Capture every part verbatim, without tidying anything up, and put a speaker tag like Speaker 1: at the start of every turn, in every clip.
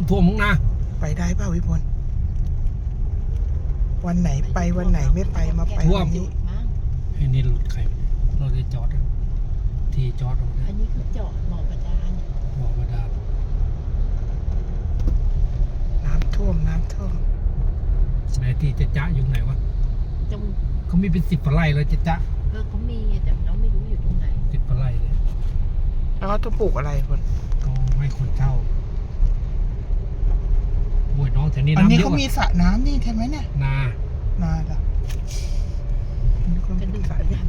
Speaker 1: ำท่วมมึงนะ
Speaker 2: ไปได้เปล่าวิพลวันไหนไปวันไหนไม่ไปมาไปวันนี้
Speaker 1: ไอ้นี่รถใครรถที่จอดที่จอดตรงนี้
Speaker 3: อันนี้คือจอดบ่อบาดาล
Speaker 1: บ่อบาดาล
Speaker 2: น้ำท่วมน้ำท่วม
Speaker 1: ไหนที่จะจะอยู่ไหนวะ
Speaker 3: ตรง
Speaker 1: เขามีเป็นสิบไร่เลยจะจะ
Speaker 3: เออเขามีแต่เราไม่รู้อยู่ตรงไหน
Speaker 1: สิบไร่เลย
Speaker 2: แล้วเขาต้องปลูกอะไรคน
Speaker 1: เขาให้คนเช่าบวยน้องแถวนี้
Speaker 2: น้ำเยอะอันนี้
Speaker 1: เขา
Speaker 2: มีสระน้ำนี่ใช่ไหมเนี่ย
Speaker 1: นา
Speaker 2: นาเหรอก็ดูสระเนี่ย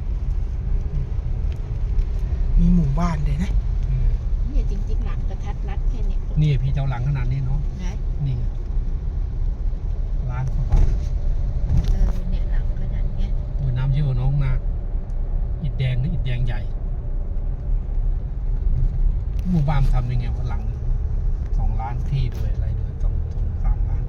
Speaker 2: มีหมู่บ้านเลยนะ
Speaker 3: เนี่ยจริงๆหลังกระทัดรัดแค่นี้
Speaker 1: นี่พี่เจ้าหลังขนาดนี้เนาะนี่ร้านเขาบอก
Speaker 3: เออเนี่ยหลังขนาดเนี้ย
Speaker 1: บวยน้ำเยอะน้องนาอิฐแดงนี่อิฐแดงใหญ่หมู่บ้านทำยังไงว่าหลังสองล้านที่ด้วยอะไรด้วยต้องต้องสามล้าน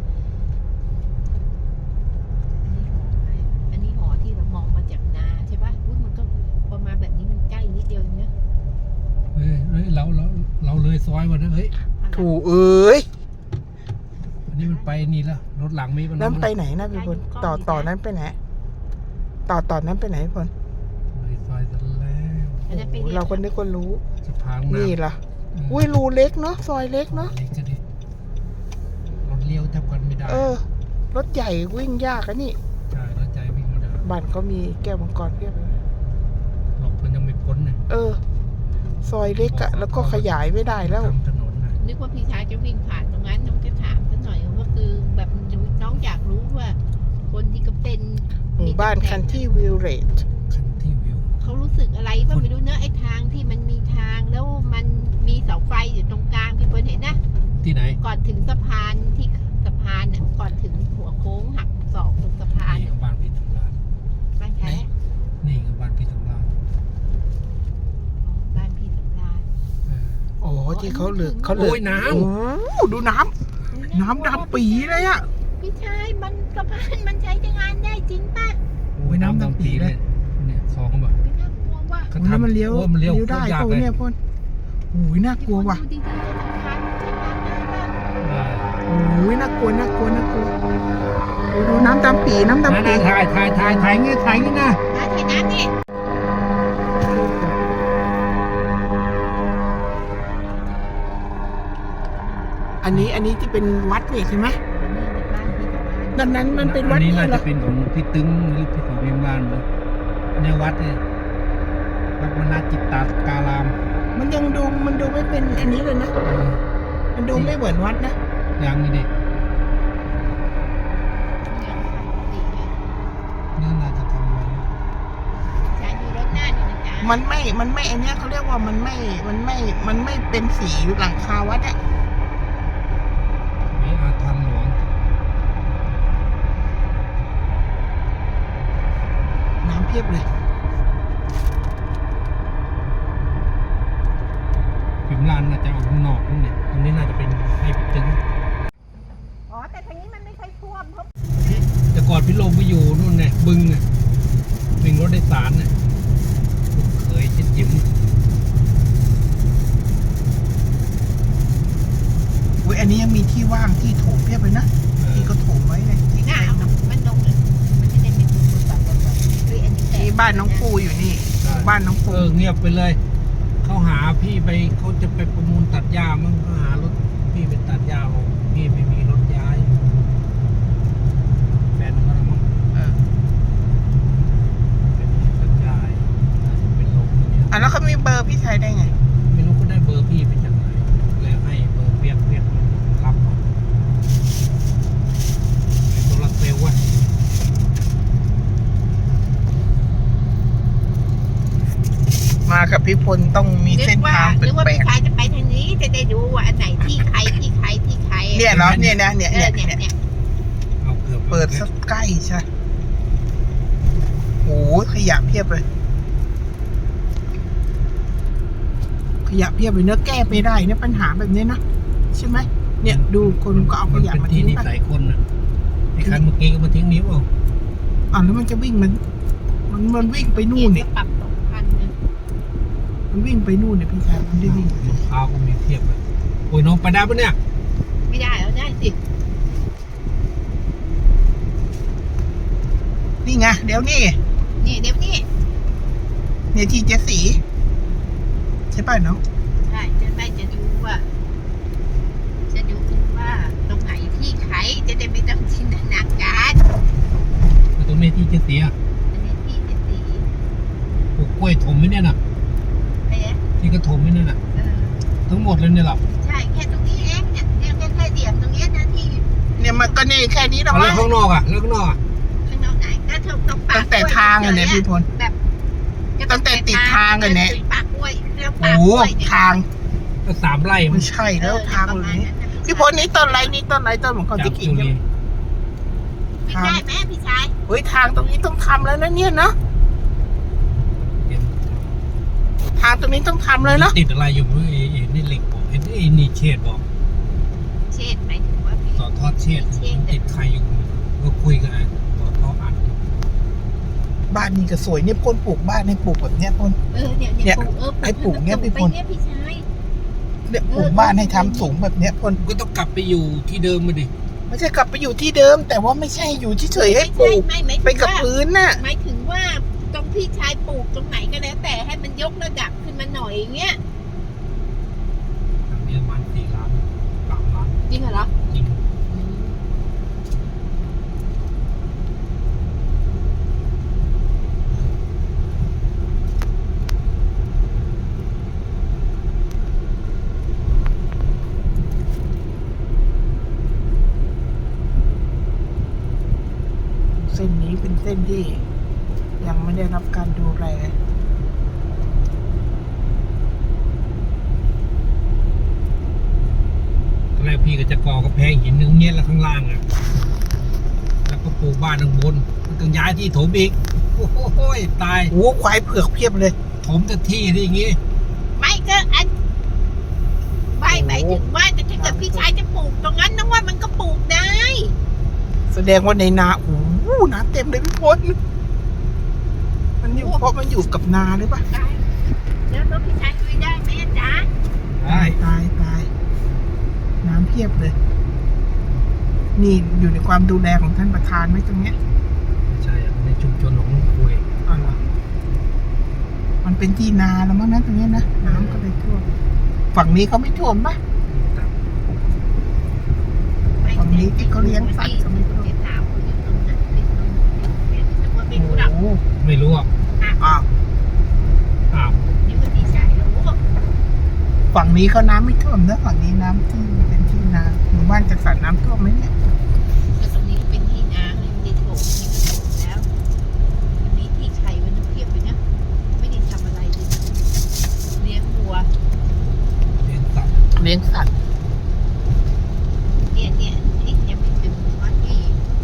Speaker 3: อันนี้หอที่เรามองมาจากนาใช่ป่ะอุ้ยมันก็พอมาแบบนี้มันใกล้นิดเดียวเนี้ย
Speaker 1: เฮ้ยเฮ้ยเราเราเราเลยซอยวันนั้นเฮ้ย
Speaker 2: ถูเอ้ย
Speaker 1: อันนี้มันไปนี่แล้วรถหลังมีมัน
Speaker 2: แล้วไปไหนนะพี่พลต่อต่อนั้นไปไหนต่อต่อนั้นไปไหนพี่พล
Speaker 1: เลยซอยซะแล้ว
Speaker 2: เราคนนึกคนรู้
Speaker 1: สะพาน
Speaker 2: นี่ล่ะอุ้ยรูเล็กเนาะซอยเล็กเนาะ
Speaker 1: รถเลี้ยวจับกันไม่ได้
Speaker 2: เออรถใหญ่วิ่งยากอะนี่
Speaker 1: ใช่รถใหญ่วิ่งไม่ได้
Speaker 2: บ้านเขามีแก้วมังกรเพียบเลย
Speaker 1: หลบมันยังไม่พ้นเลย
Speaker 2: เออซอยเล็กอะแล้วก็ขยายไม่ได้แล้ว
Speaker 1: ถนนนะ
Speaker 3: นึกว่าพี่ชายจะวิ่งผ่านตรงนั้นน้องจะถามสักหน่อยว่าคือแบบน้องอยากรู้ว่าคนที่ก็เป็น
Speaker 2: หมู่บ้านคันที่วิลเลจ
Speaker 1: คันที่วิว
Speaker 3: เขารู้สึกอะไรก็ไม่รู้เนอะไอ้ทางที่มันมีทางแล้วมันมีเสาไฟอยู่ตรงกลางพี่เปิ้ลเห็นนะ
Speaker 1: ที่ไหน
Speaker 3: ก่อนถึงสะพานที่สะพานน่ะก่อนถึงหัวโค้งหักศอกตรงสะพาน
Speaker 1: นี่บ้านพี่สำราญ
Speaker 3: บ้านใคร
Speaker 1: นี่คือบ้านพี่สำราญ
Speaker 3: บ้านพี่สำราญ
Speaker 2: โอ้ที่เขาเหลือเขาเหลือ
Speaker 1: น้ำ
Speaker 2: โอ้ดูน้ำน้ำดำปีเลยอะ
Speaker 3: พี่ชายมันสะพานมันใช้งานได้จริงป่ะ
Speaker 1: โอ้ยน้ำดำปีเลยเนี่ยคลองเขาแบบ
Speaker 3: ไม่น่ากลัวว่ะ
Speaker 2: แล้วมันเลี้ยว
Speaker 1: มันเลี้ยว
Speaker 2: ได้โอ้เนี่ยพ่นโอ้ยน่ากลัวว่ะโอ้ยน่ากลัวน่ากลัวน่ากลัวโอ้ดูน้ำดำปีน้ำดำปี
Speaker 1: ถ่ายถ่ายถ่ายถ่ายงี้ถ่ายงี้นะ
Speaker 3: ถ่ายน้ำนี่
Speaker 2: อันนี้อันนี้ที่เป็นวัดนี่ใช่ไหมดังนั้นมันเป็นวัด
Speaker 1: นี่เหรออันนี้น่าจะเป็นของพี่ตึงหรือพี่ของพิมพ์ลานเลยในวัดเนี่ยวัดมณจิตตาการาม
Speaker 2: มันยังดูมันดูไม่เป็นอันนี้เลยนะมันดูไม่เหมือนวัดนะ
Speaker 1: ยังนี่ดินี่น่าจะทำอะไร
Speaker 3: ใช้ดูรถหน้าดูนะจ๊ะ
Speaker 2: มันไม่มันไม่อันนี้เขาเรียกว่ามันไม่มันไม่มันไม่เป็นสีหลังคาวัดอะ
Speaker 1: มีอาถรรพ์หลวง
Speaker 2: น้ำเพียบเลย
Speaker 1: พิมพ์ลานน่าจะเอาข้างนอกนู่นเนี่ยตรงนี้น่าจะเป็นไอ้ตึง
Speaker 3: อ๋อแต่ทางนี้มันไม่ค่อยท่วมเพราะ
Speaker 1: แต่ก่อนพี่ลงไปอยู่นู่นเนี่ยบึงเนี่ยบึงรถโดยสารเนี่ยเคยชิดจิ้ม
Speaker 2: อุ้ยอันนี้ยังมีที่ว่างที่โถมเพียบเลยนะที่เขาโถมไว้เลย
Speaker 3: ที่หน้ามันลงเลยมันจะได้เป็นแบบแบบแบบ
Speaker 2: ที่บ้านน้องปูอยู่นี่บ้านน้องปู
Speaker 1: เออเงียบไปเลยเขาหาพี่ไปเขาจะไปประมูลตัดหญ้ามั้งเขาหารถพี่ไปตัดหญ้าบอกพี่ไม่มีรถย้ายแฟนเขาละมั้ง
Speaker 2: เออ
Speaker 1: เป็นตัดหญ้าน่าจะเป็นลมเนี่ย
Speaker 2: อ่ะแล้วเขามีเบอร์พี่ชายได้ไง
Speaker 1: ไม่รู้เขาได้เบอร์พี่ไปจากไหนแล้วให้เบอร์เปียกเปียกรับเอาโซลาร์เซลล์วะ
Speaker 2: มากับพี่พลต้องมีเส้นทาง
Speaker 3: เป็นแปลกนึกว่าพี่ชายจะไปทางนี้จะได้ดูว่าอันไหนที่ใครที่ใครที่ใคร
Speaker 2: เนี่ยเหรอเนี่ยนะเนี่ยเนี่ย
Speaker 3: เนี่ย
Speaker 1: เอาเกือบ
Speaker 2: เปิดสักใกล้ใช่โอ้ขยะเพียบเลยขยะเพียบเลยเนื้อแก้ไปได้เนี่ยปัญหาแบบนี้นะใช่ไหมเนี่ยดูคนก็เอาขยะมาทิ้งไป
Speaker 1: หลายคนนะไอ้คันเมื่อกี้ก็มาทิ้งนิ้วเอา
Speaker 2: อ่าแล้วมันจะวิ่งมันมันมันวิ่งไปนู่นเนี่ยมันวิ่งไปนู่นเนี่ยพี่ชายมันได้วิ่ง
Speaker 1: รองเท้าก็มีเทียบเลยโอ้ยน้องไปได้ปะเนี่ย
Speaker 3: ไม่ได้เอาได้สิ
Speaker 2: นี่ไงเดี๋ยวนี่
Speaker 3: นี่เดี๋ยวนี้
Speaker 2: เนี่ยที่เจสีใช่ป่ะน้อง
Speaker 3: ใช่จะได้จะดูว่า จะดูว่าตรงไหนที่ใครจะได้ไม่ต้องจินตนาการ
Speaker 1: แต่ตรงนี้ที่จะเสีย
Speaker 3: อันนี้ที่เจ็ดสี
Speaker 1: ปลูกกล้วยถมไม่เนี่ยน่ะ
Speaker 3: เอ๊ะ
Speaker 1: ที่กระถมไม่เนี่ยน่ะ
Speaker 3: เออ
Speaker 1: ทั้งหมดเลยเนี่ยหรอ
Speaker 3: ใช่แค่ตรงนี้เองเนี่ยเนี่ยแค่แค่เดียบตรงเนี้ยนะที่
Speaker 2: เนี่ยมันก็นี่แค่นี้หรอ
Speaker 1: แล้ว
Speaker 2: วะ
Speaker 1: ข้างนอกอ่ะแล้วข้างนอกอ่ะ
Speaker 3: ข้างนอกไหนก็ตรงตรงปาก
Speaker 2: ตั้งแต่ทางอะเนี่ยพี่พล
Speaker 3: แบบ
Speaker 2: ตั้งแต่ติดทางอะเนี่ย
Speaker 3: ปากกล้วยแล้ว
Speaker 2: โอ้
Speaker 3: ปาก
Speaker 2: โห
Speaker 3: กล้วยเนี่ย
Speaker 2: ทาง
Speaker 1: ก็สามไร่มั
Speaker 2: ไม่
Speaker 1: น
Speaker 2: ใช่แล้วทางเลยนี้พี่พลนี่ต้นไรนี่ต้นไรต้นเหมือนคน
Speaker 1: จาก
Speaker 2: ที่กิน
Speaker 1: จุ
Speaker 2: ใช่
Speaker 1: ลี
Speaker 2: ไหม
Speaker 3: ไม่ใช่แม่พี่ชาย
Speaker 2: เฮ้ยทางตรงนี้ต้องทำแล้วนะเนี่ยเนาะ
Speaker 1: เตรียม
Speaker 2: ทางตรงนี้ต้องทำเลยเนาะ
Speaker 1: ติดอะไรอยู่ไม่รู้ไอ้ไอ้นี่เหล็กบอกไอ้ไอ้นี่เชดบอก
Speaker 3: เช่นหมายถึงว่าพี่
Speaker 1: ต่อทอดเชดมันติดใครอยู่ก็คุยกันไอ้ต่อทอดอัด
Speaker 2: บ้านนี่ก็สวยเนี่ยพ่นปลูกบ้านให้ปลูกแบบเนี้ยพ่น
Speaker 3: เออเนี่ย
Speaker 2: เนี่
Speaker 3: เนี่ย ยปลูกเออ
Speaker 2: ให้ปลูกเนี่ยพี่พล
Speaker 3: ไปเนี่ยพี่ชาย
Speaker 2: เนี่ยปลูกบ้านให้ทำสูงแบบเนี้ยพ่น
Speaker 1: ก็ต้องกลับไปอยู่ที่เดิมมาดิ
Speaker 2: ไม่ใช่กลับไปอยู่ที่เดิม แต่ว่าไม่ใช่อยู่เฉยๆให้ปลูก
Speaker 3: ไม่ไม่
Speaker 2: ไป
Speaker 3: ไม่
Speaker 2: กับ
Speaker 3: ว่า
Speaker 2: พื้นน่ะ
Speaker 3: หมายถึงว่าตรงพี่ชายปลูกตรงไหนก็แล้ว แต่ให้มันยกระดับขึ้นมาหน่อยอย่างเงี้ย
Speaker 1: ทางนี้ประมาณสี่ล้านสามล้าน
Speaker 3: จริงเหรอ
Speaker 1: จริง
Speaker 2: เส้นนี้เป็นเส้นที่ยังไม่ได้รับการดูแล
Speaker 1: ตอนแรกพี่ก็จะก่อกระแพงหินนึงเงี้ยแล้วข้างล่างอ่ะแล้วก็ปลูกบ้านข้างบนมันต้องย้ายที่ถมอีกโอ้โหตาย
Speaker 2: โอ้ควายเผือกเพียบเลย
Speaker 1: ถมแต่ที่ที่อย่างงี้
Speaker 3: ไม่ก็อันไม่หมายถึงว่าแต่ถ้าเกิดพี่ชายจะปลูกตรงนั้นน้องว่ามันก็ปลูกได้
Speaker 2: แสดงว่าในนาโอ้โหน้ำเต็มเลยพี่พลมันอยู่เพราะมันอยู่กับนาหรือเปล่า
Speaker 3: ได้แล้วแล้วพี่ชายคุยได้ไหมจ๊ะ
Speaker 1: ได้
Speaker 2: ตายตายน้ำเพียบเลย นี่อยู่ในความดูแลของท่านประธานไหมตรงเนี้ย
Speaker 1: ไม่ใช่อะในชุมชนของลุงคุย
Speaker 2: อ๋อเหรอมันเป็นที่นาแล้วมั้งนะตรงเนี้ยนะน้ำก็เลยท่วมฝั่งนี้เขาไม่ท่วมปะ ฝั่งนี้ที่เขาเลี้ยงสัตว์ก็ไม่รู้
Speaker 3: เดี๋ยวถามคนอยู่ตรงนั้นเป็นตรงเป็นตรงเป็นผู้หลัก
Speaker 2: โอ้โห
Speaker 1: ไม่รู้อ่ะ
Speaker 2: อ้าว
Speaker 1: อ้าว
Speaker 3: นี่มันพี่ชายรู้
Speaker 2: ฝั่งนี้เขาน้ำไม่ท่วมนะฝั่งนี้น้ำที่เป็นที่นาหมู่บ้านจัดสรรน้ำท่วมไหมเนี่ย
Speaker 3: ก็ตรงนี้เป็นที่นาเลยไม่ได้โถมนี่ก็โถมแล้วอันนี้ที่ไข่มันเพียบเลยนะไม่ได้ทำอะไรเลยเลี้ยงวัว
Speaker 1: เรียนตัด
Speaker 2: เลี้ยงสัตว์
Speaker 3: เนี่ยเนี่ยนี่ยังไม่ถึงว่าที่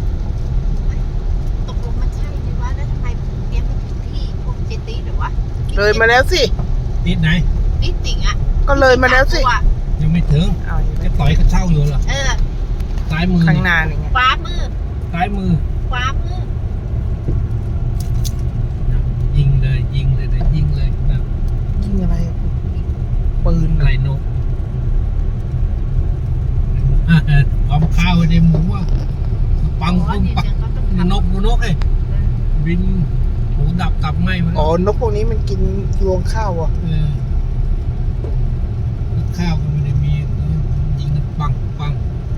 Speaker 3: ตกลงมันใช่ไหมวะแล้วทำไมเลี้ยงไม่ถึงที่พวกเจตีหรือวะ
Speaker 2: เลยมาแล้วสิ
Speaker 1: ติดไหน
Speaker 3: นี่ติ่งอ่ะ
Speaker 2: ก็เลยมาแล้วสิ
Speaker 1: ยังไม่ถึง
Speaker 2: เอาอย่าง
Speaker 1: จะ
Speaker 2: นี้
Speaker 1: ต่อยกระเช่าอยู่เหรอ
Speaker 3: เออ
Speaker 1: ซ้ายมือ
Speaker 2: ข้างหน้านี่ไง
Speaker 3: ขวามือ
Speaker 1: ซ้ายมือ
Speaker 3: ขวามือ
Speaker 1: ยิงเลยยิงเลยเดี๋ยวยิงเลยนะ
Speaker 2: ยิงอะไรอะปืน
Speaker 1: อะไรนกความข้าวไว้ในหมูอ่ะปัง
Speaker 3: อ๋อ
Speaker 1: ปุ้ง
Speaker 3: เนี่ย
Speaker 1: ปัง
Speaker 3: เนี่ยก็ต้อง
Speaker 1: น
Speaker 3: ทำ
Speaker 1: กนกเอ้ยบินหมูดับตับไหมมัน
Speaker 2: อ๋อนกพวกนี้มันกินรวงข้าวอ่ะ
Speaker 1: เออข้าวก็ไม่ได้มียิงกันปังปัง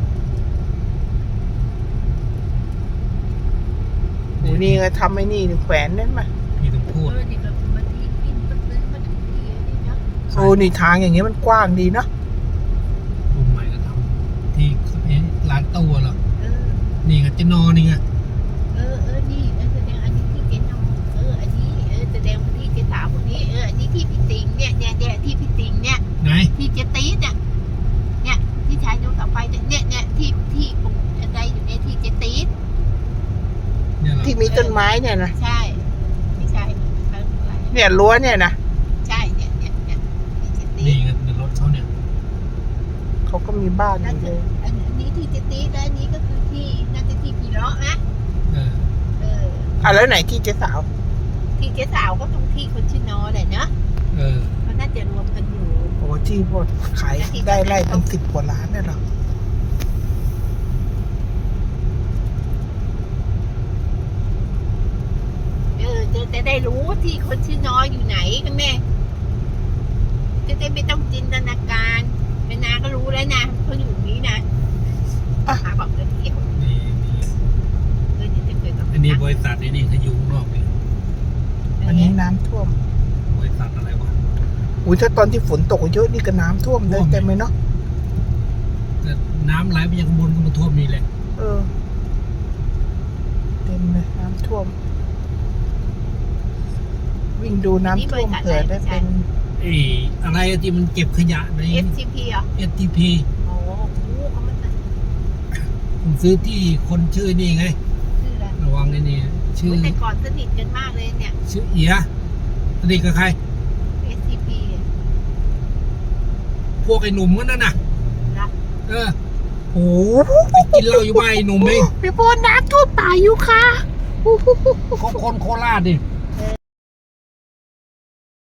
Speaker 2: โอ้นี่ไงทำไอ้นี่แขวนนั่นมา
Speaker 1: พี่ต้องพูด
Speaker 3: เออนี่ก็มันที่กินมันซื้อมาถึงที่นี่เนาะ
Speaker 2: โอ้นี่ทางอย่างเงี้ยมันกว้างดีเนาะ
Speaker 1: รุ่นใหม่ก็ทำที่เอ๊ะร้านตู้เหรอ
Speaker 3: เออ
Speaker 1: นี่ไงเจนอนี่ไง
Speaker 3: เออเออนี่เออแสดงอันนี้ที่เจนองเอออันนี้เออแสดงว่าที่เจสาวคนนี้เอออันนี้ที่พี่ติงเนี่ยเนี่ยเนี่ยที่พี่ติงเนี่ย
Speaker 1: ไหน
Speaker 3: ที่เจตีดเนี่ยเนี่ยที่ชายดูต่อไปเนี่ยเนี่ยเนี่ยที่ที่ปลูกอะไรอยู่ในที่เจตีด
Speaker 1: เนี่ยเหรอ
Speaker 2: ที่มีต้นไม้เนี่ยนะ
Speaker 3: ใช่ไม่ใช่เอออะไร
Speaker 2: เนี่ยรั้วเนี่ยนะ
Speaker 3: ใช่เนี่ยเนี่ยเนี่ยที่เจตี
Speaker 1: นี่
Speaker 3: ด
Speaker 1: ไงในรถเขาเนี่ย
Speaker 2: เขาก็มีบ้านอ
Speaker 3: นั่น
Speaker 2: ยู่
Speaker 3: คื
Speaker 2: เล
Speaker 3: อย อันนี้ที่เจตีดและอันนี้ก็คือที่น่าจะที่พีเลาะนะ
Speaker 1: เออ
Speaker 3: เออ
Speaker 2: อ่ะแล้วไหนที่เจ๊สาว
Speaker 3: ที่เจ๊สาวก็ตรงที่คนชื่อนอแหละเนาะ
Speaker 1: เออ
Speaker 3: มันน่าจะรวมกันอยู่
Speaker 2: โอ้ที่พวกขายได้ไร่เป็นสิบกว่าล้านเนี่ยหรอ
Speaker 3: จะได้รู้ที่คนชื่อน้อยอยู่ไหนกันแม่จะได้ไม่ต้องจินตนาการแม่นาก็รู้แล้วนะเขาอยู่นี้นะหาบอกเดินเที่ยว
Speaker 1: นี่นี่
Speaker 3: เดินจะเกิดกับ
Speaker 1: อันนี้บริษัทนี่นี่เขาอยู่ข้างนอกนี่
Speaker 2: อันนี้น้ำท่วม
Speaker 1: บริษัทอะไรวะ
Speaker 2: อุ้ยถ้าตอนที่ฝนตกเยอะนี่ก็น้ำท่วมเลยเต็มเลยเนาะ
Speaker 1: แต่น้ำไหลไปยังข้างบนก็มาท่วมนี่แหละ
Speaker 2: เออ เต็มเลยน้ำท่วม วิ่งดูน้ำท่วมเผื่อได้เป็น
Speaker 1: เอ้อะไรที่มันเก็บขยะใน
Speaker 3: เอฟซีพีอ่ะ
Speaker 1: เอสทีพี
Speaker 3: โอ้โหเขามัน
Speaker 1: ผมซื้อที่คนชื่อนี่ไง
Speaker 3: ชื่ออะไร
Speaker 1: ระวังไอ้นี่ชื่อ
Speaker 3: แต่ก่อนสนิทกันมากเลยเนี่ย
Speaker 1: ชื่อเอียสนิทกับใคร
Speaker 3: เอสซีพี
Speaker 1: พวกไอ้หนุ่มก็นั่นน่ะ
Speaker 3: นะ
Speaker 1: เออ
Speaker 2: โอ้
Speaker 1: ไปกินเหล้าอยู่บ้านไอ้หนุ่มเอง
Speaker 2: พี่พลน้ำท่วมป่าอยู่ค่ะ
Speaker 1: เขาคนโคราชดิ
Speaker 2: โ